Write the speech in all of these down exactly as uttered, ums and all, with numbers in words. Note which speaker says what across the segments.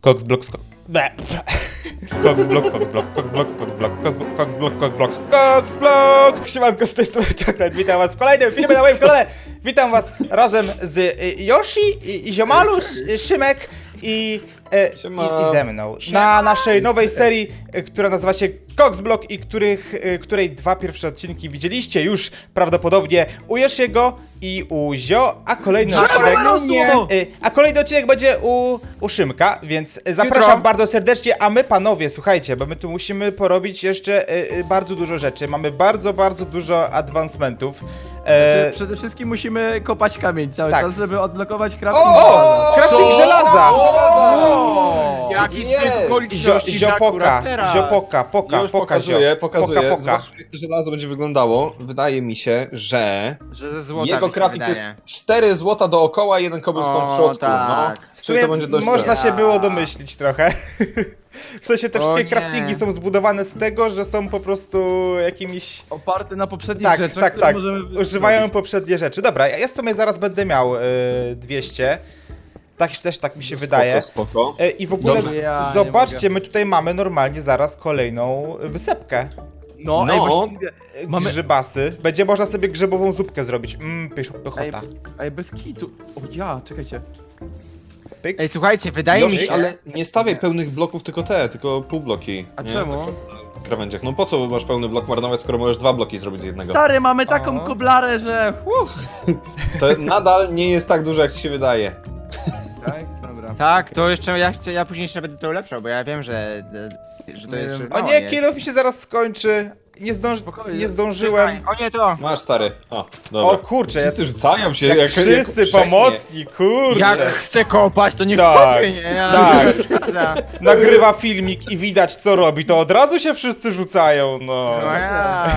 Speaker 1: Coxblock, Coxblock, Coxblock, Coxblock, Coxblock, Coxblock, Coxblock, Coxblock! Siemanko, z tej strony Czokret, witam was w kolejnym filmie na moim kanale. Witam was razem z y, Yoshi, y, Ziomalusz, y, Szymek i, y, i, i ze mną. Na naszej nowej serii, y, która nazywa się Coxblock i których, y, której dwa pierwsze odcinki widzieliście już prawdopodobnie u Yoshiego i u Zio, a kolejny odcinek... Y, a kolejny odcinek będzie u, u Szymka, więc zapraszam
Speaker 2: Jutro.
Speaker 1: bardzo serdecznie, a my panowie, słuchajcie, bo my tu musimy porobić jeszcze y, y, bardzo dużo rzeczy. Mamy bardzo, bardzo dużo advancementów. E,
Speaker 2: Znaczy, przede wszystkim musimy kopać kamień cały
Speaker 1: tak.
Speaker 2: czas, żeby odblokować crafting.
Speaker 1: O! Crafting
Speaker 3: Co?
Speaker 1: żelaza!
Speaker 3: O!
Speaker 2: Jaki
Speaker 3: Jest!
Speaker 2: zbyt
Speaker 1: Zio,
Speaker 2: okoliczności
Speaker 1: ziopoka, ziopoka, poka,
Speaker 3: Już
Speaker 1: poka,
Speaker 3: pokazuję,
Speaker 1: zio.
Speaker 3: pokazuję.
Speaker 1: Poka, poka.
Speaker 3: Zobaczmy, jak to żelazo będzie wyglądało. Wydaje mi się, że
Speaker 2: Że ze złota
Speaker 3: jego
Speaker 2: mi się
Speaker 3: crafting jest
Speaker 2: wydaje.
Speaker 3: cztery złota dookoła i jeden cobblestone w
Speaker 2: O,
Speaker 3: środku.
Speaker 2: tak.
Speaker 3: No.
Speaker 1: W
Speaker 3: Czyli
Speaker 1: sumie
Speaker 3: to będzie dość
Speaker 1: można
Speaker 3: dobre.
Speaker 1: się było domyślić trochę. W sensie te
Speaker 2: O
Speaker 1: wszystkie
Speaker 2: nie.
Speaker 1: craftingi są zbudowane z tego, że są po prostu jakimiś...
Speaker 2: Oparte na poprzednich
Speaker 1: Tak,
Speaker 2: rzeczach,
Speaker 1: tak,
Speaker 2: które
Speaker 1: tak.
Speaker 2: możemy
Speaker 1: Używają
Speaker 2: zrobić.
Speaker 1: poprzednie rzeczy. Dobra, ja ja w sumie zaraz będę miał y, dwieście. Tak też tak mi się wydaje.
Speaker 3: Spoko, spoko.
Speaker 1: E, I w ogóle
Speaker 2: Dobrze,
Speaker 1: z-
Speaker 2: ja nie
Speaker 1: zobaczcie,
Speaker 2: mogę.
Speaker 1: my tutaj mamy normalnie zaraz kolejną wysepkę.
Speaker 2: No,
Speaker 3: No.
Speaker 2: ej, właściwie,
Speaker 1: E,
Speaker 2: Mamy-
Speaker 1: Grzybasy. Będzie można sobie grzybową zupkę zrobić. Mmm, pysz,
Speaker 2: ej,
Speaker 1: pychota.
Speaker 2: ej, bez kitu. O ja, czekajcie.
Speaker 1: Pyk.
Speaker 4: Ej, słuchajcie, wydaje mi
Speaker 3: Yoshi,
Speaker 4: się...
Speaker 3: ale nie stawiaj pełnych bloków, tylko te, tylko półbloki.
Speaker 2: A
Speaker 3: nie?
Speaker 2: czemu?
Speaker 3: Tak w krawędziach. No po co masz pełny blok marnować, skoro możesz dwa bloki zrobić z jednego?
Speaker 2: Stary, mamy taką
Speaker 1: O.
Speaker 2: koblarę, że... Uf.
Speaker 3: To nadal nie jest tak dużo, jak ci się wydaje.
Speaker 2: Tak, dobra.
Speaker 4: Tak, to jeszcze ja, chcę- ja później jeszcze będę to ulepszał, bo ja wiem, że, że to
Speaker 2: Nie
Speaker 4: jest...
Speaker 2: wiem.
Speaker 1: O
Speaker 4: no,
Speaker 1: nie,
Speaker 4: jest.
Speaker 1: kilof mi się zaraz skończy. Nie, zdąż...
Speaker 2: Spokojnie.
Speaker 1: nie zdążyłem.
Speaker 4: O nie, to!
Speaker 3: Masz stary. O, dobra.
Speaker 1: O kurczę, ja...
Speaker 3: Wszyscy rzucają się
Speaker 1: jak,
Speaker 3: jak
Speaker 1: wszyscy
Speaker 3: jak
Speaker 1: pomocni, kurczę.
Speaker 4: Jak chcę kopać, to nie
Speaker 1: Tak,
Speaker 4: kopię, nie? Ja
Speaker 1: tak.
Speaker 4: nie przeszkadza.
Speaker 1: Nagrywa filmik i widać co robi, to od razu się wszyscy rzucają, no.
Speaker 4: No ja...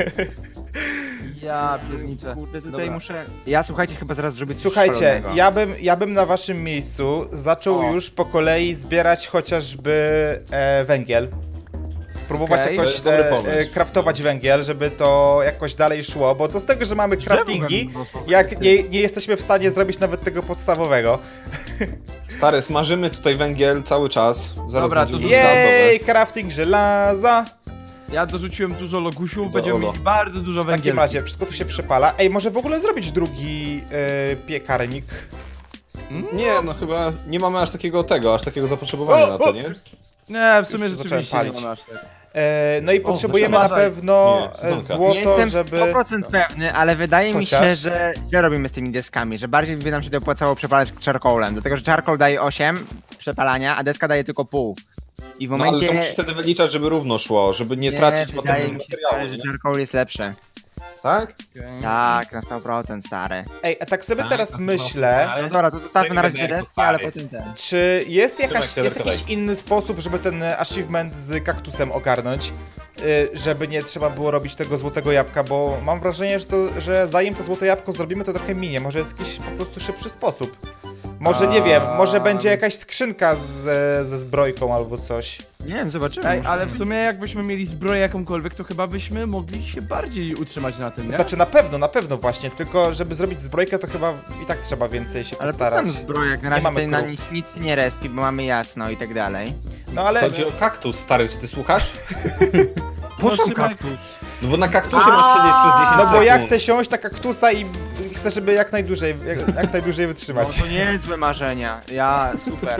Speaker 2: Ja pierniczę.
Speaker 4: Kurde, tutaj
Speaker 2: Dobra.
Speaker 4: muszę... Ja, słuchajcie, chyba zaraz zrobię coś
Speaker 1: Słuchajcie,
Speaker 4: szalonego.
Speaker 1: ja bym, ja bym na waszym miejscu zaczął
Speaker 2: O.
Speaker 1: już po kolei zbierać chociażby e, węgiel. Próbować
Speaker 2: Okej.
Speaker 3: To
Speaker 1: jakoś
Speaker 3: jest dobry
Speaker 1: e,
Speaker 3: pomysł.
Speaker 1: e, craftować węgiel, żeby to jakoś dalej szło, bo co z tego, że mamy craftingi,
Speaker 2: Drzewo bym-
Speaker 1: jak nie, nie jesteśmy w stanie zrobić nawet tego podstawowego.
Speaker 3: Stary, smażymy tutaj węgiel cały czas. Zaraz
Speaker 2: Dobra,
Speaker 3: będzie
Speaker 2: to-
Speaker 1: Jej, crafting żelaza.
Speaker 2: Ja dorzuciłem dużo logusiów,
Speaker 3: Dobra,
Speaker 2: będziemy
Speaker 3: Olo.
Speaker 2: mieli bardzo dużo
Speaker 1: W takim
Speaker 2: węgiel.
Speaker 1: razie wszystko tu się przepala. Ej, może w ogóle zrobić drugi e, piekarnik?
Speaker 3: Nie, no chyba nie mamy aż takiego tego, aż takiego zapotrzebowania
Speaker 1: O,
Speaker 3: na
Speaker 1: o!
Speaker 3: to, nie?
Speaker 2: Nie, w sumie
Speaker 1: Już zacząłem
Speaker 2: rzeczywiście nie
Speaker 1: palić.
Speaker 2: mamy aż tak.
Speaker 1: E, no i potrzebujemy na
Speaker 2: uważaj.
Speaker 1: pewno
Speaker 3: Nie,
Speaker 1: e,
Speaker 3: dzwonka.
Speaker 4: Nie
Speaker 1: złoto,
Speaker 4: jestem
Speaker 1: żeby...
Speaker 4: sto procent pewny, ale wydaje mi się,
Speaker 1: Chociaż?
Speaker 4: że źle robimy z tymi deskami, że bardziej by nam się to opłacało przepalać charcoalem, dlatego że charcoal daje osiem przepalania, a deska daje tylko pół. I w
Speaker 3: No ale
Speaker 4: momencie...
Speaker 3: to musisz wtedy wyliczać, żeby równo szło, żeby nie, tracić potem
Speaker 4: wydaje mi się,
Speaker 3: materiału,
Speaker 4: stary, że
Speaker 3: nie?
Speaker 4: charcoal jest lepszy.
Speaker 3: Tak?
Speaker 4: Tak, na sto procent stary.
Speaker 1: Ej, a tak sobie
Speaker 5: Tak,
Speaker 1: teraz
Speaker 5: to
Speaker 1: myślę,
Speaker 4: No dobra, to zostawmy na razie te
Speaker 5: Tego
Speaker 4: deski, ale
Speaker 5: stary.
Speaker 4: potem ten.
Speaker 1: czy jest, jakaś,
Speaker 3: Trzymaj się,
Speaker 1: jest
Speaker 3: Darek,
Speaker 1: jakiś inny sposób, żeby ten e, achievement z kaktusem ogarnąć? Y, żeby nie trzeba było robić tego złotego jabłka, bo mam wrażenie, że, to, że zanim to złote jabłko zrobimy, to trochę minie. Może jest jakiś po prostu szybszy sposób. Może, nie wiem, może będzie jakaś skrzynka z, ze zbrojką albo coś.
Speaker 4: Nie wiem, zobaczymy.
Speaker 2: Ej, ale w sumie jakbyśmy mieli zbroję jakąkolwiek, to chyba byśmy mogli się bardziej utrzymać na tym, nie?
Speaker 1: Znaczy na pewno, na pewno właśnie, tylko żeby zrobić zbrojkę, to chyba i tak trzeba więcej się
Speaker 4: Ale
Speaker 1: postarać.
Speaker 4: tam zbroja, jak na razie
Speaker 1: mamy
Speaker 4: tutaj na
Speaker 1: krów.
Speaker 4: nich nic się nie respi, bo mamy jasno i tak dalej.
Speaker 1: No ale...
Speaker 3: Chodzi o kaktus, stary, czy ty słuchasz?
Speaker 2: No,
Speaker 4: Po co
Speaker 2: Szymek,
Speaker 4: kaktus?
Speaker 3: No bo na kaktusie masz siedzieć przez dziesięć
Speaker 1: No
Speaker 3: sekund.
Speaker 1: bo ja chcę siąść na kaktusa i chcę, żeby jak najdłużej, jak, jak najdłużej
Speaker 4: No
Speaker 1: wytrzymać.
Speaker 4: to niezłe marzenia. Ja, super.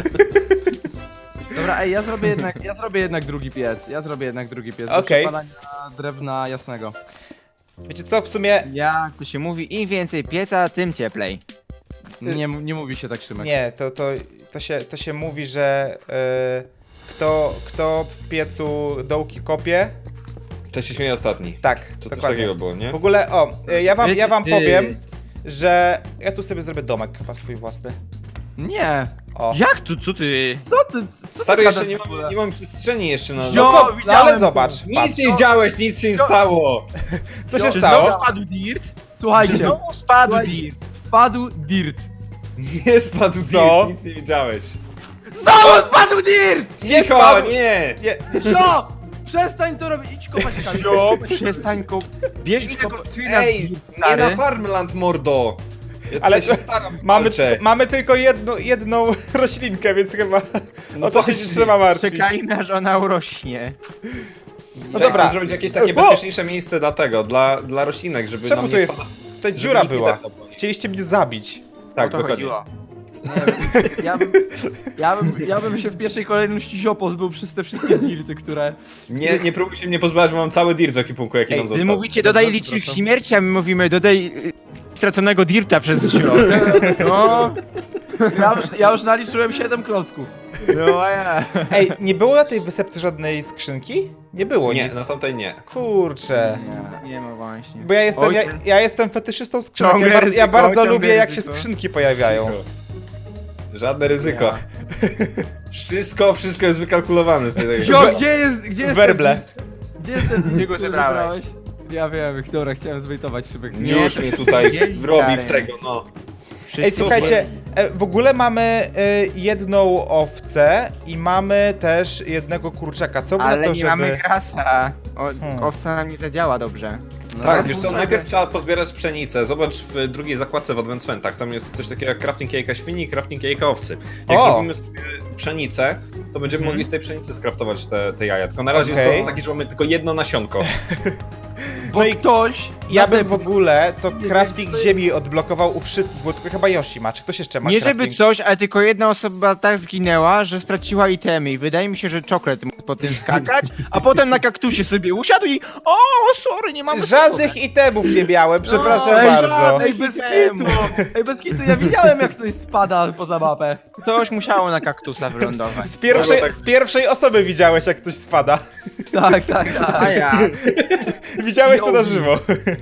Speaker 2: Dobra, ej, ja zrobię jednak, ja zrobię jednak drugi piec. Ja zrobię jednak drugi piec. do
Speaker 1: Okej.
Speaker 2: przepalania drewna jasnego.
Speaker 1: Wiecie co, w sumie
Speaker 4: Jak to się mówi, im więcej pieca, tym cieplej.
Speaker 2: Nie, m- nie mówi się tak, Szymek.
Speaker 1: nie, to, to, to, się, to się mówi, że e, kto, kto w piecu dołki kopie,
Speaker 3: To się śmieje ostatni.
Speaker 1: tak,
Speaker 3: To coś
Speaker 1: dokładnie.
Speaker 3: takiego było, nie?
Speaker 1: W ogóle, o, e, ja wam, ja wam
Speaker 4: Ty.
Speaker 1: powiem, że ja tu sobie zrobię domek chyba swój własny.
Speaker 2: Nie!
Speaker 1: O.
Speaker 4: Jak tu, co ty?
Speaker 2: Co ty, co
Speaker 3: Stary,
Speaker 2: ty
Speaker 3: jeszcze
Speaker 2: gadasz
Speaker 3: nie
Speaker 2: w ogóle?
Speaker 3: mam, nie mam przestrzeni jeszcze na...
Speaker 1: No,
Speaker 2: Jo,
Speaker 1: zo- no
Speaker 2: widziałem
Speaker 1: ale
Speaker 2: to.
Speaker 1: zobacz, patrz,
Speaker 3: Nic nie widziałeś, nic się nie stało!
Speaker 1: co się
Speaker 2: Jo,
Speaker 4: Czy
Speaker 1: stało?
Speaker 4: znowu spadł dirt?
Speaker 2: Słuchajcie,
Speaker 4: Znowu spadł
Speaker 2: Słuchaj-
Speaker 4: dirt.
Speaker 2: wpadł dirt.
Speaker 3: Nie spadł
Speaker 1: Co?
Speaker 3: nic, nic nie widziałeś.
Speaker 2: Znowu spadł dirt!
Speaker 1: Nie
Speaker 3: Cicho,
Speaker 1: spadł!
Speaker 3: nie!
Speaker 1: Nie,
Speaker 2: Co? Przestań to robić, idź kopać kamień.
Speaker 4: No, przestań kop... Bierz i tego
Speaker 3: Ej, nie na Farmland, mordo! Ja
Speaker 1: Ale
Speaker 3: tutaj
Speaker 1: to
Speaker 3: się staram,
Speaker 1: mamy,
Speaker 3: walczę.
Speaker 1: mamy tylko jedną, jedną roślinkę, więc chyba
Speaker 3: No
Speaker 1: o to się
Speaker 3: właśnie.
Speaker 1: nie trzeba martwić.
Speaker 4: Czekajmy, aż ona urośnie.
Speaker 1: No
Speaker 3: Ja
Speaker 1: dobra.
Speaker 3: chcę zrobić jakieś takie
Speaker 1: O!
Speaker 3: bezpieczniejsze miejsce dla tego, dla, dla roślinek, żeby
Speaker 1: Czemu
Speaker 3: nam
Speaker 1: tu
Speaker 3: nie
Speaker 1: jest?
Speaker 3: spadać.
Speaker 1: Tutaj
Speaker 3: żeby
Speaker 1: dziura
Speaker 3: nikt nie
Speaker 1: była.
Speaker 3: deptał po niej.
Speaker 1: Chcieliście mnie zabić.
Speaker 3: Tak,
Speaker 4: O to
Speaker 3: dokładnie.
Speaker 4: chodziło.
Speaker 2: Nie wiem, ja bym, ja, bym, ja bym się w pierwszej kolejności ziop pozbył przez te wszystkie dirty, które...
Speaker 3: Nie, nie próbuj się mnie pozbywać, bo mam cały dirt w ekipunku, jaki
Speaker 1: Ej,
Speaker 3: nam
Speaker 4: Wy
Speaker 3: został.
Speaker 4: mówicie dodaj
Speaker 2: Dobrze,
Speaker 4: licznik
Speaker 2: proszę.
Speaker 4: śmierci, a my mówimy dodaj y, straconego dirta przez ziom. No,
Speaker 2: Ja już, ja już naliczyłem siedem klocków.
Speaker 4: no a ja.
Speaker 1: Ej, nie było na tej wysepce żadnej skrzynki? Nie było
Speaker 3: Nie,
Speaker 1: nic.
Speaker 3: na tamtej nie.
Speaker 1: Kurczę.
Speaker 4: Nie, nie ma właśnie.
Speaker 1: Bo ja jestem,
Speaker 4: Oj,
Speaker 1: ja,
Speaker 4: ty-
Speaker 1: ja jestem fetyszystą skrzynek. Ja,
Speaker 4: Ciągle
Speaker 1: bar, ja
Speaker 4: ryzyko,
Speaker 1: bardzo
Speaker 4: ciągle
Speaker 1: lubię, jak się
Speaker 4: ryzyko.
Speaker 1: skrzynki pojawiają.
Speaker 3: Cicho. Żadne ryzyko. Wszystko, wszystko jest wykalkulowane. Tutaj.
Speaker 2: Zio,
Speaker 1: We-
Speaker 2: gdzie jest, gdzie jest
Speaker 1: Werble.
Speaker 2: ten... Gdzie jest ten...
Speaker 4: Gdzie go
Speaker 2: który
Speaker 4: zebrałeś?
Speaker 2: zebrałeś? Ja wiem, dobra, chciałem zwejtować szybek.
Speaker 4: Nie.
Speaker 3: Już mnie tutaj
Speaker 4: Nie,
Speaker 3: wrobi
Speaker 4: stary.
Speaker 3: w tego, no.
Speaker 1: Ej,
Speaker 4: Wszyscy-
Speaker 1: słuchajcie, e, w ogóle mamy e, jedną owcę i mamy też jednego kurczaka. Co by na
Speaker 4: Ale
Speaker 1: to,
Speaker 4: nie
Speaker 1: żeby...
Speaker 4: mamy grasa. O,
Speaker 1: Hmm.
Speaker 4: Owca nam nie zadziała dobrze.
Speaker 2: No,
Speaker 3: Tak, wiesz co,
Speaker 2: kurczę.
Speaker 3: najpierw trzeba pozbierać pszenicę. Zobacz w drugiej zakładce w advancementach. Tam jest coś takiego jak crafting jajka świni i crafting jajka owcy. Jak
Speaker 1: O!
Speaker 3: zrobimy sobie pszenicę, to będziemy
Speaker 1: Mhm.
Speaker 3: mogli z tej pszenicy skraftować te, te jaja. Tylko na razie
Speaker 1: Okej.
Speaker 3: jest problem taki, że mamy tylko jedno nasionko.
Speaker 2: Bo
Speaker 1: No i
Speaker 2: ktoś...
Speaker 1: Ja
Speaker 2: na
Speaker 1: bym
Speaker 2: tym-
Speaker 1: w ogóle to
Speaker 2: Nie
Speaker 1: crafting
Speaker 2: wiem, to-
Speaker 1: ziemi odblokował u wszystkich, bo tylko chyba Yoshi ma. Czy ktoś jeszcze ma
Speaker 4: Nie
Speaker 1: crafting?
Speaker 4: żeby coś, ale tylko jedna osoba tak zginęła, że straciła itemy i wydaje mi się, że czoklet mógł po tym skakać, a potem na kaktusie sobie usiadł i o, sorry, nie mam
Speaker 1: Żadnych itemów nie miałem, przepraszam
Speaker 2: Ej,
Speaker 1: bardzo.
Speaker 2: Ej, bez kitu! Ej, bez kitu, ja widziałem jak ktoś spada poza mapę.
Speaker 4: Coś musiało na kaktusa wylądować.
Speaker 1: Z pierwszej,
Speaker 3: No, tak.
Speaker 1: z pierwszej osoby widziałeś, jak ktoś spada.
Speaker 2: Tak, tak,
Speaker 4: A
Speaker 2: tak.
Speaker 4: ja.
Speaker 1: Widziałeś to na
Speaker 2: Yoshi.
Speaker 1: żywo.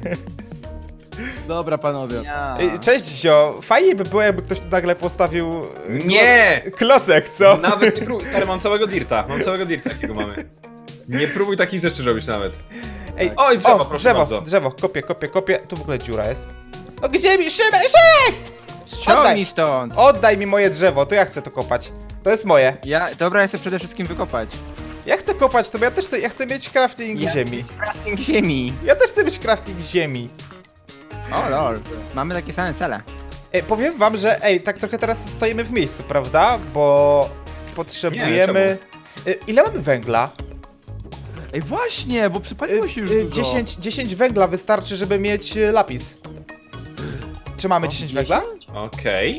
Speaker 2: Dobra, panowie.
Speaker 4: ja.
Speaker 1: Ej, Cześć, Zio. Fajnie by było, jakby ktoś tu nagle postawił... e,
Speaker 3: Nie!
Speaker 1: klo- Klocek, co?
Speaker 3: Nawet nie próbuj. Stary, mam całego dirta. Mam całego dirta, jakiego mamy. Nie próbuj takich rzeczy robić nawet.
Speaker 1: Ej,
Speaker 3: Oj, drzewo,
Speaker 1: o,
Speaker 3: proszę
Speaker 1: drzewo,
Speaker 3: bardzo.
Speaker 1: drzewo, kopię, kopię, kopię. Tu w ogóle dziura jest. No gdzie mi? Szymek, Szymek!
Speaker 4: Ściągnij stąd.
Speaker 1: Oddaj mi moje drzewo, to ja chcę to kopać. To jest moje.
Speaker 4: Ja, dobra, ja chcę przede wszystkim wykopać.
Speaker 1: Ja chcę kopać to, bo ja też chcę, ja chcę mieć crafting
Speaker 4: Ja-
Speaker 1: ziemi.
Speaker 4: Crafting ziemi.
Speaker 1: Ja też chcę mieć crafting ziemi.
Speaker 4: O lol. Mamy takie same cele.
Speaker 1: Ej, powiem wam, że ej, tak trochę teraz stoimy w miejscu, prawda? Bo potrzebujemy... Y, Ile mamy węgla?
Speaker 2: Ej, właśnie, bo
Speaker 1: Y,
Speaker 2: przypaliło się już
Speaker 1: y,
Speaker 2: dużo.
Speaker 1: dziesięć, dziesięć węgla wystarczy, żeby mieć y, lapis. Czy mamy
Speaker 2: O,
Speaker 1: dziesięć węgla?
Speaker 3: Okej.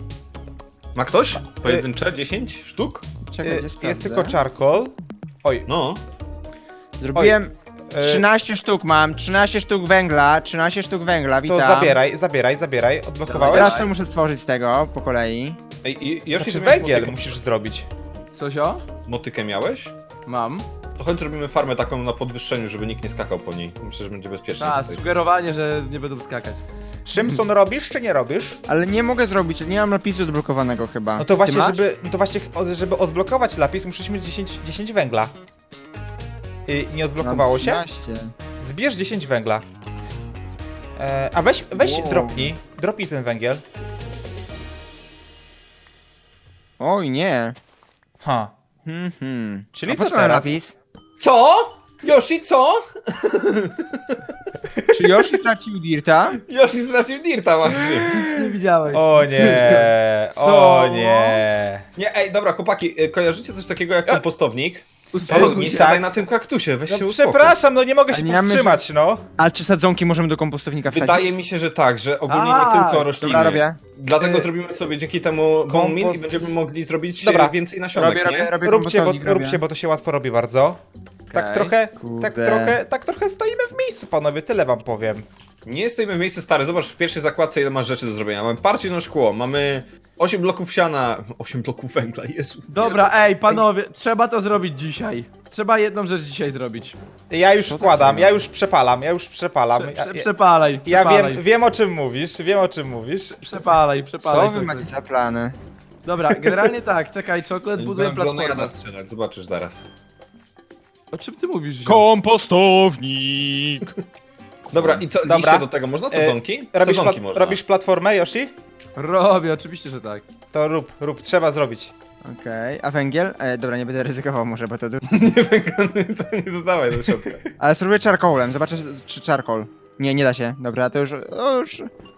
Speaker 3: Ma ktoś? Pojedyncze? dziesięć sztuk?
Speaker 4: Czekaj,
Speaker 1: Y,
Speaker 4: gdzie
Speaker 1: Jest
Speaker 4: sprawdzę.
Speaker 1: tylko charcoal. Oj,
Speaker 3: No.
Speaker 4: Zrobiłem
Speaker 1: e,
Speaker 4: trzynaście sztuk mam, trzynaście sztuk węgla, trzynaście sztuk węgla,
Speaker 1: to
Speaker 4: witam.
Speaker 1: zabieraj, zabieraj, zabieraj. Odblokowałeś?
Speaker 4: Teraz co muszę stworzyć z tego, po kolei.
Speaker 3: Ej, i- Yoshi,
Speaker 1: Znaczy
Speaker 3: ty miałeś
Speaker 1: węgiel
Speaker 3: motykę-
Speaker 1: musisz zrobić.
Speaker 2: Coś o?
Speaker 3: Motykę miałeś?
Speaker 2: Mam.
Speaker 3: To chodź zrobimy farmę taką na podwyższeniu, żeby nikt nie skakał po niej. Myślę, że będzie bezpiecznie.
Speaker 2: A,
Speaker 3: tutaj.
Speaker 2: sugerowanie, że nie będą skakać.
Speaker 1: Szymson robisz, czy nie robisz?
Speaker 4: Ale nie mogę zrobić, nie mam napisu odblokowanego chyba.
Speaker 1: No to właśnie,
Speaker 2: masz?
Speaker 1: żeby, no to właśnie, od- żeby odblokować lapis, musisz mieć dziesięć, dziesięć węgla. I nie odblokowało się?
Speaker 4: Mam trzynaście.
Speaker 1: Zbierz dziesięć węgla. E, a weź, weź
Speaker 4: Wow.
Speaker 1: dropnij, dropnij ten węgiel.
Speaker 4: Oj nie.
Speaker 1: Ha.
Speaker 4: Hmm, hmm.
Speaker 1: Czyli
Speaker 4: A
Speaker 1: co
Speaker 4: po ten
Speaker 1: teraz?
Speaker 4: napis?
Speaker 3: Co? Yoshi, co?
Speaker 4: Czy Yoshi stracił dirta?
Speaker 3: Yoshi stracił dirta właśnie.
Speaker 2: Nie widziałeś.
Speaker 1: O nie, o
Speaker 2: Co?
Speaker 1: nie.
Speaker 3: Nie, ej, dobra, chłopaki, y, kojarzycie coś takiego jak kompostownik?
Speaker 2: Uspokój
Speaker 3: Nie
Speaker 2: się.
Speaker 1: tak.
Speaker 3: siadaj na tym kaktusie, weź się
Speaker 1: No,
Speaker 3: uspokój.
Speaker 1: przepraszam, no nie mogę się
Speaker 4: A nie mamy-
Speaker 1: powstrzymać, no.
Speaker 4: A czy sadzonki możemy do kompostownika wsadzić?
Speaker 3: Wydaje mi się, że tak, że ogólnie
Speaker 2: A,
Speaker 3: nie tylko rośliny.
Speaker 4: Dobra, robię.
Speaker 3: Dlatego
Speaker 1: Y,
Speaker 3: zrobimy sobie dzięki temu bone meal i
Speaker 1: kompost-
Speaker 3: będziemy mogli zrobić
Speaker 1: Dobra.
Speaker 3: Dobra. więcej nasionek,
Speaker 4: Robię,
Speaker 3: nie?
Speaker 4: robię, robię
Speaker 1: Róbcie, bo,
Speaker 4: kompostownik,
Speaker 1: róbcie,
Speaker 4: robię.
Speaker 1: bo to się łatwo robi bardzo. Tak
Speaker 2: Okej.
Speaker 1: trochę, tak
Speaker 4: Kurde.
Speaker 1: trochę, tak trochę stoimy w miejscu, panowie, tyle wam powiem.
Speaker 3: Nie stoimy w miejscu stary, zobacz w pierwszej zakładce ile masz rzeczy do zrobienia. Mamy parcie na szkło, mamy osiem bloków siana, osiem bloków węgla, Jezu.
Speaker 2: Dobra, ej, panowie, trzeba to zrobić dzisiaj. Trzeba jedną rzecz dzisiaj zrobić.
Speaker 1: Ja już wkładam, ja już przepalam, ja już przepalam.
Speaker 2: Prze,
Speaker 1: Ja,
Speaker 2: prze,
Speaker 1: ja,
Speaker 2: przepalaj,
Speaker 1: ja
Speaker 2: przepalaj.
Speaker 1: wiem, wiem o czym mówisz, wiem o czym mówisz.
Speaker 2: Przepalaj, przepalaj.
Speaker 4: Co wy
Speaker 2: czoklet.
Speaker 4: macie za plany?
Speaker 2: Dobra, generalnie tak, czekaj, czoklet buduje
Speaker 3: Będę
Speaker 2: platformę.
Speaker 3: Glonejada strzelać, zobaczysz zaraz.
Speaker 2: O czym ty mówisz? Zio?
Speaker 4: Kompostownik!
Speaker 3: Dobra, i co,
Speaker 1: Dobra.
Speaker 3: liście do tego, można sadzonki?
Speaker 1: E, robisz,
Speaker 3: Sadzonki
Speaker 1: plat-
Speaker 3: można.
Speaker 1: robisz platformę, Yoshi?
Speaker 2: Robię, oczywiście, że tak.
Speaker 1: To rób, rób, trzeba zrobić.
Speaker 4: Okej, a węgiel? E, dobra, nie będę ryzykował może, bo to... du-
Speaker 3: Nie węglany, to nie dodawaj do środka.
Speaker 4: Ale spróbuję charcoalem, zobaczę czy charcoal. Nie, nie da się. Dobra, to już... O, już...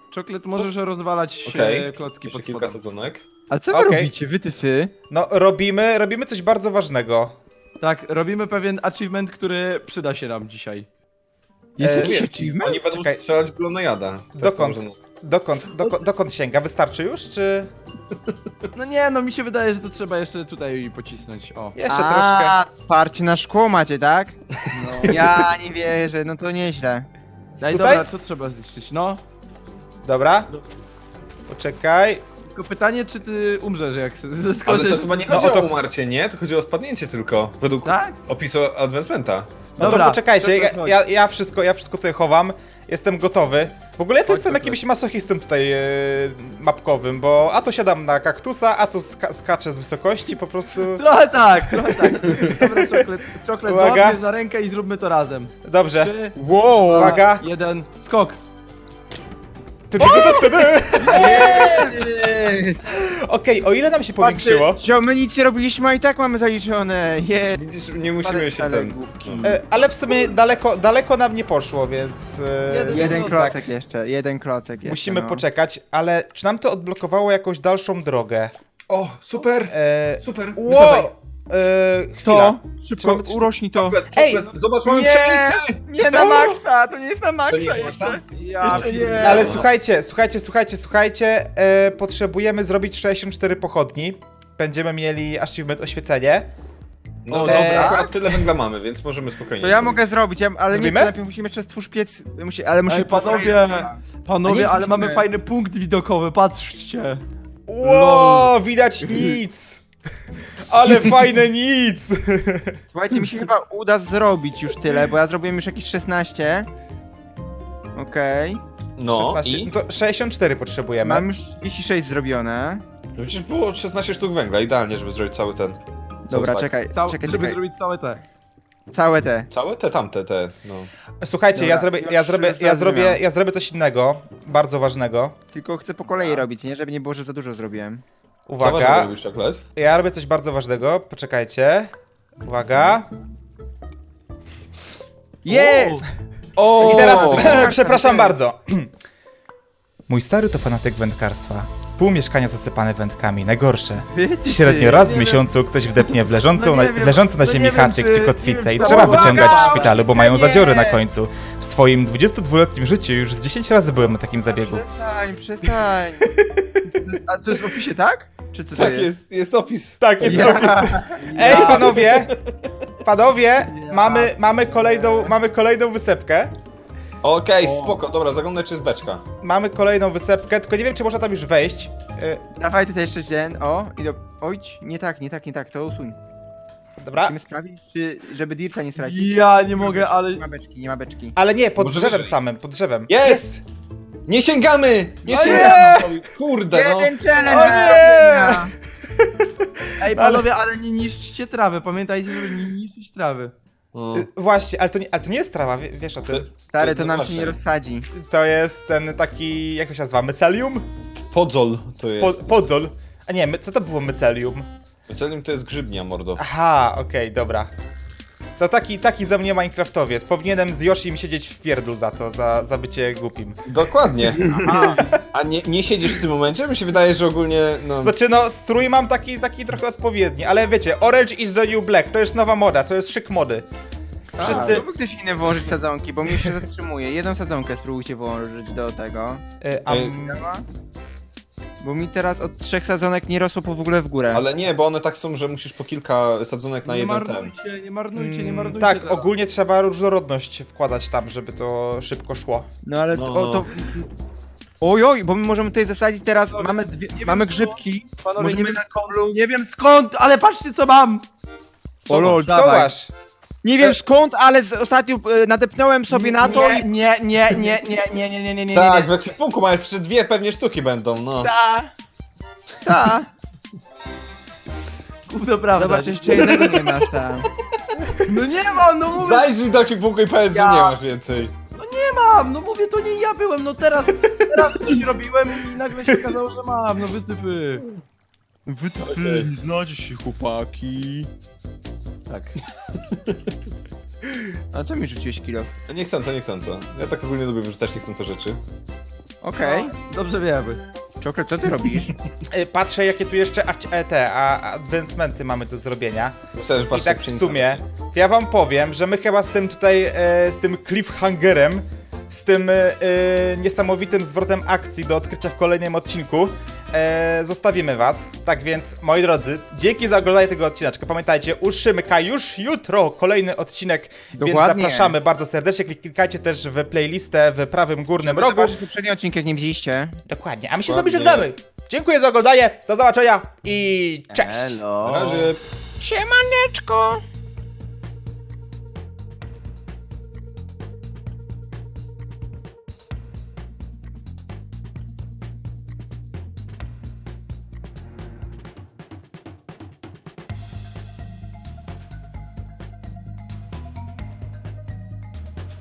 Speaker 2: Czoklet, możesz rozwalać
Speaker 3: Okej,
Speaker 2: e, klocki
Speaker 3: jeszcze
Speaker 2: pod
Speaker 3: kilka
Speaker 2: spodem.
Speaker 3: sadzonek.
Speaker 4: A co wy
Speaker 1: Okej.
Speaker 4: robicie, wy tyfy?
Speaker 1: No, robimy, robimy coś bardzo ważnego.
Speaker 2: Tak, robimy pewien achievement, który przyda się nam dzisiaj.
Speaker 4: Jest
Speaker 1: E,
Speaker 4: jakiś
Speaker 3: Wiesz,
Speaker 4: achievement?
Speaker 3: Oni będą
Speaker 1: Czekaj.
Speaker 3: strzelać w glonojada. Tak to
Speaker 1: Dokąd?
Speaker 3: można-
Speaker 1: Dokąd, doko, dokąd sięga? Wystarczy już, czy
Speaker 2: No nie, no mi się wydaje, że to trzeba jeszcze tutaj pocisnąć, o.
Speaker 1: jeszcze
Speaker 4: A,
Speaker 1: troszkę?
Speaker 4: parcie na szkło macie, tak?
Speaker 2: No.
Speaker 4: Ja nie wierzę, no to nieźle.
Speaker 2: Daj,
Speaker 1: Tutaj?
Speaker 2: dobra, to trzeba zniszczyć, no.
Speaker 1: Dobra. Poczekaj.
Speaker 2: Tylko pytanie, czy ty umrzesz, jak
Speaker 3: Ale
Speaker 2: zeskoczysz?
Speaker 3: to chyba nie
Speaker 1: No,
Speaker 3: chodzi
Speaker 1: o to-
Speaker 3: o umarcie, nie? To chodzi o spadnięcie tylko, według
Speaker 2: Tak?
Speaker 3: opisu advancementa.
Speaker 1: No
Speaker 2: Dobra,
Speaker 1: to poczekajcie, ja,
Speaker 2: chodź.
Speaker 1: ja, ja, wszystko, ja wszystko tutaj chowam. Jestem gotowy. W ogóle ja to
Speaker 2: Chodź,
Speaker 1: jestem
Speaker 2: chodź,
Speaker 1: jakimś masochistą tutaj e, mapkowym, bo a to siadam na kaktusa, a to ska skaczę z wysokości po prostu.
Speaker 2: Trochę tak, trochę tak. Dobra, czoklet, czoklet
Speaker 1: Uwaga.
Speaker 2: złap mnie za rękę i zróbmy to razem.
Speaker 1: Dobrze.
Speaker 2: Trzy,
Speaker 4: Wow!
Speaker 1: Uwaga.
Speaker 2: jeden, skok.
Speaker 1: Tu, tu, tu, tu, tu. Okej, o ile nam się powiększyło?
Speaker 4: Że my nic nie robiliśmy, a i tak mamy zaliczone. Je.
Speaker 3: Widzisz, nie musimy się
Speaker 4: Ale
Speaker 3: ten...
Speaker 4: głupki.
Speaker 3: no.
Speaker 1: E, ale w sumie daleko, daleko nam nie poszło, więc. E,
Speaker 2: Jeden-
Speaker 4: Jeden
Speaker 1: więc
Speaker 4: klocek
Speaker 1: tak,
Speaker 4: jeszcze, jeden klocek jeszcze.
Speaker 1: musimy
Speaker 4: no.
Speaker 1: poczekać, ale czy nam to odblokowało jakąś dalszą drogę?
Speaker 3: O, super!
Speaker 1: E,
Speaker 3: Super!
Speaker 1: wow! E, chwila.
Speaker 4: Co?
Speaker 1: Czy
Speaker 4: Szybko,
Speaker 1: mamy coś tu-
Speaker 4: urośnij to.
Speaker 1: Ej!
Speaker 3: Zobacz, mamy
Speaker 4: Nie,
Speaker 3: przelicę!
Speaker 4: nie na maksa, to nie jest na
Speaker 3: To nie
Speaker 4: maksa
Speaker 3: jest
Speaker 4: jeszcze.
Speaker 3: maksa?
Speaker 2: Ja
Speaker 4: Jeszcze nie.
Speaker 1: Ale słuchajcie, słuchajcie, słuchajcie, słuchajcie, e, potrzebujemy zrobić sześćdziesiąt cztery pochodni. Będziemy mieli achievement oświecenie.
Speaker 3: No
Speaker 1: O,
Speaker 3: dobra,
Speaker 1: dobra.
Speaker 3: akurat tyle węgla mamy, więc możemy spokojnie.
Speaker 4: To ja
Speaker 3: zrobić.
Speaker 4: mogę zrobić, ja, ale
Speaker 1: Zrobimy?
Speaker 4: nie, najpierw musimy jeszcze stwórz piec, musi, ale musimy...
Speaker 2: Ej, panowie,
Speaker 4: A nie
Speaker 2: panowie, ale
Speaker 4: musimy.
Speaker 2: mamy fajny punkt widokowy, patrzcie.
Speaker 1: Ło, widać nic! Ale fajne nic!
Speaker 4: Słuchajcie, mi się chyba uda zrobić już tyle, bo ja zrobiłem już jakieś szesnaście. Okej.
Speaker 3: No
Speaker 1: szesnaście,
Speaker 3: i?
Speaker 1: no to sześćdziesiąt cztery potrzebujemy.
Speaker 4: Mam już trzydzieści sześć zrobione.
Speaker 3: No przecież było szesnaście sztuk węgla, idealnie, żeby zrobić cały ten. cały
Speaker 4: Dobra,
Speaker 3: stack.
Speaker 4: czekaj,
Speaker 2: Cał,
Speaker 4: czekaj,
Speaker 2: żeby
Speaker 4: czekaj.
Speaker 2: zrobić całe te.
Speaker 4: Całe te.
Speaker 3: Całe te tamte, te, no.
Speaker 1: Słuchajcie, ja
Speaker 4: Dobra,
Speaker 1: zrobię,
Speaker 4: już-
Speaker 1: ja zrobię,
Speaker 4: już
Speaker 1: ja zrobię,
Speaker 4: zrozumiałem.
Speaker 1: ja zrobię coś innego, bardzo ważnego.
Speaker 4: Tylko chcę po kolei robić, nie? Żeby nie było, że za dużo zrobiłem.
Speaker 3: Co masz
Speaker 1: Uwaga,
Speaker 3: robić, czoklet?
Speaker 1: ja robię coś bardzo ważnego, poczekajcie. Uwaga.
Speaker 4: Jest!
Speaker 3: O!
Speaker 1: I teraz,
Speaker 4: O!
Speaker 1: przepraszam bardzo. Mój stary to fanatyk wędkarstwa. Pół mieszkania zasypane wędkami, najgorsze. Średnio raz w
Speaker 2: nie
Speaker 1: miesiącu ktoś wdepnie w leżącą,
Speaker 2: No nie
Speaker 1: na,
Speaker 2: wiem,
Speaker 1: leżący na
Speaker 2: no
Speaker 1: ziemi
Speaker 2: nie wiem,
Speaker 1: haczyk
Speaker 2: czy-
Speaker 1: czy
Speaker 2: nie
Speaker 1: kotwicę
Speaker 2: wiem,
Speaker 1: i
Speaker 2: czy
Speaker 1: trzeba
Speaker 2: to-
Speaker 1: wyciągać w
Speaker 4: Uwaga!
Speaker 1: szpitalu, bo mają
Speaker 4: Nie!
Speaker 1: zadziory na końcu. W swoim dwudziestodwuletnim życiu już z dziesięć razy byłem na takim zabiegu.
Speaker 4: Przestań, przestań. A to jest w opisie, tak? Czy co to
Speaker 3: Tak,
Speaker 4: jest?
Speaker 3: jest, jest opis.
Speaker 1: Tak, jest
Speaker 4: Ja-
Speaker 1: opis. Ej, panowie! Panowie, mamy, mamy, kolejną, mamy kolejną wysepkę.
Speaker 3: Okej, spoko, dobra, zaglądaj czy jest beczka.
Speaker 1: Mamy kolejną wysepkę, tylko nie wiem, czy można tam już wejść. Y,
Speaker 4: Dawaj tutaj jeszcze jeden, o, i do... Ojć, nie tak, nie tak, nie tak, to usuń.
Speaker 1: Dobra,
Speaker 4: Chcemy sprawdzić, czy, żeby Dirta nie stracić?
Speaker 2: Ja nie mogę, ale...
Speaker 4: Nie ma beczki, nie ma beczki.
Speaker 1: ale nie, pod
Speaker 3: Może
Speaker 1: drzewem
Speaker 3: wyżej.
Speaker 1: samym, pod drzewem.
Speaker 3: Jest! Nie sięgamy! Nie
Speaker 1: O
Speaker 3: sięgamy! Kurde, no.
Speaker 4: Jeden challenge!
Speaker 1: O nie!
Speaker 2: Ej,
Speaker 1: No ale-
Speaker 2: panowie, ale nie niszczcie trawy, pamiętajcie, żeby nie niszczyć trawy.
Speaker 3: no.
Speaker 1: Y, Właśnie, ale to nie, ale to nie jest trawa, wie- wiesz o tym.
Speaker 4: Stary, to
Speaker 3: No
Speaker 4: nam się
Speaker 3: właśnie.
Speaker 4: nie rozsadzi.
Speaker 1: To jest ten taki, jak to się nazywa, mycelium?
Speaker 3: Podzol to
Speaker 1: Po,
Speaker 3: jest.
Speaker 1: podzol. A nie, my, co to było mycelium?
Speaker 3: Celim to jest grzybnia, mordo.
Speaker 1: Aha, okej, dobra. To taki, taki za mnie Minecraftowiec. Powinienem z Yoshim siedzieć w pierdlu za to, za, za bycie głupim.
Speaker 3: Dokładnie. A nie, nie siedzisz w tym momencie? Mi się wydaje, że ogólnie, no...
Speaker 1: Znaczy no, strój mam taki, taki trochę odpowiedni, ale wiecie, Orange is the new black, to jest nowa moda, to jest szyk mody. Wszyscy...
Speaker 4: Mógłby ktoś inny włożyć sadzonki, bo mnie się zatrzymuje. Jedną sadzonkę spróbujcie włożyć do tego.
Speaker 1: Y, a,
Speaker 3: Ej.
Speaker 4: Działa? Bo mi teraz od trzech sadzonek nie rosło po w ogóle w górę.
Speaker 3: Ale nie, bo one tak są, że musisz po kilka sadzonek na
Speaker 2: Nie
Speaker 3: jeden ten.
Speaker 2: marnujcie, nie marnujcie, nie
Speaker 1: mm,
Speaker 2: marnujcie
Speaker 1: tak,
Speaker 2: teraz.
Speaker 1: ogólnie trzeba różnorodność wkładać tam, żeby to szybko szło.
Speaker 4: No ale
Speaker 3: No,
Speaker 4: to,
Speaker 3: no.
Speaker 4: to... Oj, oj, bo my możemy tutaj zasadzić teraz,
Speaker 2: Panowie,
Speaker 4: mamy dwie,
Speaker 2: nie wiem
Speaker 4: mamy
Speaker 2: co-
Speaker 4: grzybki.
Speaker 2: Panowie,
Speaker 4: Możemy
Speaker 2: nie wiem
Speaker 4: na
Speaker 2: skąd, nie wiem skąd, ale patrzcie co mam!
Speaker 3: Co
Speaker 4: lol,
Speaker 3: masz?
Speaker 1: Co
Speaker 4: dawaj.
Speaker 1: masz?
Speaker 4: Nie wiem skąd, ale z, ostatnio e, nadepnąłem sobie na to
Speaker 2: Nie,
Speaker 4: i...
Speaker 2: nie, nie, nie, nie, nie, nie, nie, nie, nie,
Speaker 3: Tak, w
Speaker 2: nie.
Speaker 3: ekwipunku mają przy dwie pewnie sztuki będą, no.
Speaker 4: Ta, ta.
Speaker 2: Gówno prawda.
Speaker 4: Zobacz, jeszcze jednego nie masz tam.
Speaker 2: No nie mam, no mówię,
Speaker 3: Zajrzyj do ekwipunku i powiedz,
Speaker 2: Ja-
Speaker 3: że nie masz więcej.
Speaker 2: nie mam, no mówię, to nie ja byłem, no teraz, teraz coś robiłem i nagle się okazało, że mam, no wytypy.
Speaker 4: Wy
Speaker 3: Okej.
Speaker 4: znacie się chłopaki.
Speaker 2: Tak.
Speaker 4: A co mi rzuciłeś kilo?
Speaker 3: Nie chcąco, nie chcąco. Ja tak ogólnie lubię wyrzucać niechcąco rzeczy.
Speaker 4: Okej.
Speaker 2: Dobrze wiemy.
Speaker 4: Czokret, co ty robisz?
Speaker 1: Y, Patrzę, jakie tu jeszcze ac- e, te a, advancementy mamy do zrobienia.
Speaker 3: Myślałem, że
Speaker 1: I
Speaker 3: patrzę
Speaker 1: tak w
Speaker 3: pszenicę.
Speaker 1: sumie, to ja wam powiem, że my chyba z tym tutaj, e, z tym cliffhangerem, z tym e, niesamowitym zwrotem akcji do odkrycia w kolejnym odcinku, e, zostawimy was. Tak więc, moi drodzy, dzięki za oglądanie tego odcineczka. Pamiętajcie, u Szymka już jutro kolejny odcinek, więc
Speaker 4: Dokładnie.
Speaker 1: zapraszamy bardzo serdecznie. Klik- Klikajcie też w playlistę w prawym górnym rogu.
Speaker 4: Zobaczyć poprzedni odcinek, jak nie widzieliście.
Speaker 1: Dokładnie, a my się z wami
Speaker 3: Dokładnie.
Speaker 1: żegnamy. Dziękuję za oglądanie, do zobaczenia i cześć!
Speaker 2: Elo.
Speaker 3: Na razie.
Speaker 4: Siemaneczko!